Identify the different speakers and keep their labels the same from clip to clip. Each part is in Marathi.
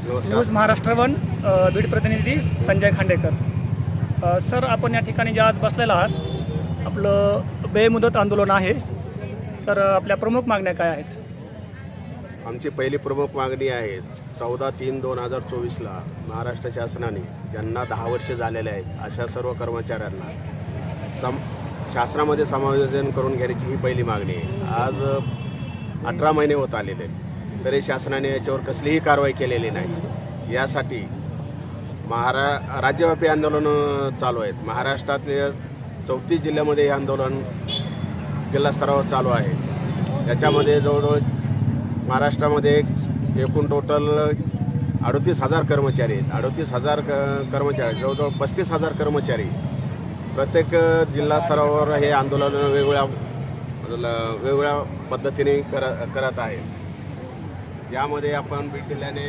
Speaker 1: न्यूज महाराष्ट्र वन बीड प्रतिनिधी संजय खांडेकर। सर, आपण या ठिकाणी जे आज बसलेला आहात, आपलं बेमुदत आंदोलन आहे, तर आपल्या प्रमुख मागण्या काय आहेत?
Speaker 2: आमची पहिली प्रमुख मागणी आहे 14/3/2024ला महाराष्ट्र शासनाने ज्यांना 10 वर्ष झालेले आहेत अशा सर्व कर्मचाऱ्यांना शासनामध्ये समायोजन करून घेण्याची ही पहिली मागणी आहे। आज 18 महिने होत आलेले आहेत, तरी शासनाने याच्यावर कसलीही कारवाई केलेली नाही। यासाठी राज्यव्यापी आंदोलन चालू आहेत। महाराष्ट्रातल्या 34 जिल्ह्यामध्ये हे आंदोलन जिल्हास्तरावर चालू आहे। याच्यामध्ये जवळजवळ महाराष्ट्रामध्ये एकूण टोटल 38,000 कर्मचारी आहेत। 38,000 कर्मचारी, जवळजवळ 35,000 कर्मचारी प्रत्येक जिल्हास्तरावर हे आंदोलन वेगवेगळ्या पद्धतीने करत आहे। यामध्ये आपण बीड जिल्ह्याने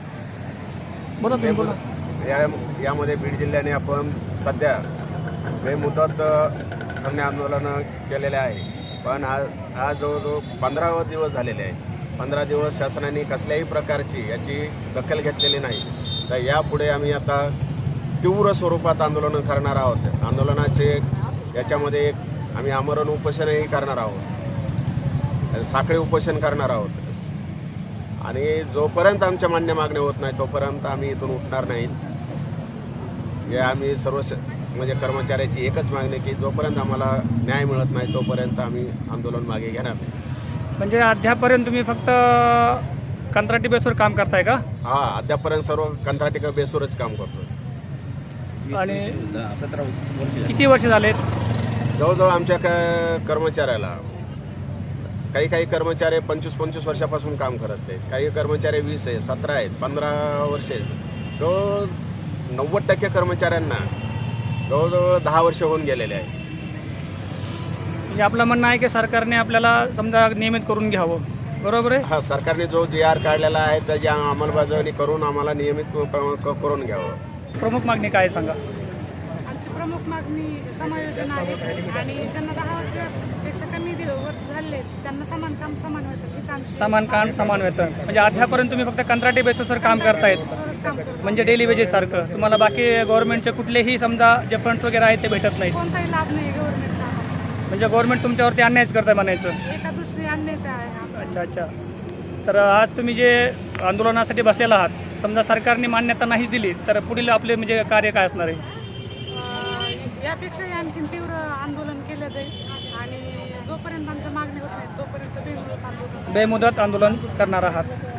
Speaker 2: यामध्ये बीड जिल्ह्याने आपण सध्या बेमुदत धरणे आंदोलन केलेले आहे, पण आज जवळजवळ 15 दिवस झालेले आहेत। 15 दिवस शासनाने कसल्याही प्रकारची याची दखल घेतलेली नाही। तर यापुढे आम्ही आता तीव्र स्वरूपात आंदोलन करणार आहोत। आंदोलनाचे याच्यामध्ये आम्ही आमरण उपोषणही करणार आहोत, साखळी उपोषण करणार आहोत, आणि जोपर्यंत आमच्या मान्य मागण्या होत नाही तोपर्यंत आम्ही इथून उठणार नाहीत। हे आम्ही सर्व म्हणजे कर्मचाऱ्याची एकच मागणी की जोपर्यंत आम्हाला न्याय मिळत नाही तोपर्यंत आम्ही आंदोलन मागे घेणार नाही।
Speaker 1: म्हणजे अद्यापर्यंत तुम्ही फक्त कंत्राटी बेसवर काम करताय का?
Speaker 2: हां, अद्यापर्यंत सर्व कंत्राटी बेसवरच काम करतो।
Speaker 1: आणि किती वर्ष झालेत?
Speaker 2: जवळजवळ आमच्या कर्मचाऱ्याला काही कर्मचारी 25 वर्षापासून काम करत आहेत, काही कर्मचारी 20 आहेत, 17 आहेत, 15 वर्षे आहेत। जो 90% कर्मचाऱ्यांना जवळजवळ 10 वर्ष होऊन गेलेले आहे।
Speaker 1: म्हणजे आपलं म्हणणं आहे की सरकारने आपल्याला समजा नियमित करून घ्यावं, बरोबर आहे?
Speaker 2: हा, सरकारने जो GR काढलेला आहे त्याची अंमलबजावणी करून आम्हाला नियमित करून घ्यावं।
Speaker 1: प्रमुख मागणी काय सांगा?
Speaker 3: आमची प्रमुख मागणी समायोजन आहे आणि ज्यांना 10 वर्षापेक्षा कमी वर्ष झाले त्यांना समान काम समान वेतन हीच आमची
Speaker 1: समान काम समान वेतन। म्हणजे अद्यापर्यंत तुम्ही फक्त कंत्राटी बेसवर काम करतायत,
Speaker 3: काम करतो।
Speaker 1: म्हणजे डेली वेजेस सारखं तुम्हाला बाकी गव्हर्नमेंटचे कुठलेही समजा जे फंड्स वगैरे आहेत ते भेटत नाहीत?
Speaker 3: कोणताही लाभ नाही गव्हर्नमेंटचा।
Speaker 1: म्हणजे गव्हर्नमेंट तुमच्यावरती अन्यायच करताय म्हणायचं?
Speaker 3: एका दुसरी अन्यायच आहे।
Speaker 1: अच्छा। तर आज तुम्ही जे आंदोलनासाठी बसलेला आहात, समजा सरकारने मान्यता नाही दिली तर पुढील आपले म्हणजे कार्य काय असणार आहे?
Speaker 3: यापेक्षाही आणखी तीव्र आंदोलन केलं जाईल आणि जोपर्यंत आमच्या मागणी होत नाही तोपर्यंत बेमुदत आंदोलन
Speaker 1: बेमुदत आंदोलन करणार आहात।